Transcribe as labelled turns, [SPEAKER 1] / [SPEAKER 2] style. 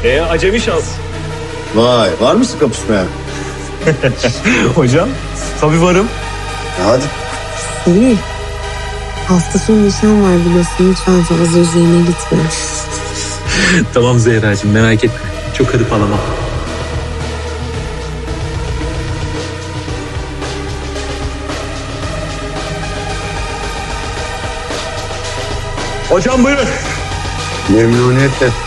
[SPEAKER 1] Acemi şans.
[SPEAKER 2] Vay, var mısın kapışmaya?
[SPEAKER 1] Hocam, tabii varım.
[SPEAKER 2] Hadi.
[SPEAKER 3] Semih, hafta sonu nişan var biliyorsun. Lütfen fazla üzerine gitme.
[SPEAKER 1] Tamam Zehracığım, merak etme. Çok hırpalamam. Hocam buyurun.
[SPEAKER 2] Memnuniyetle.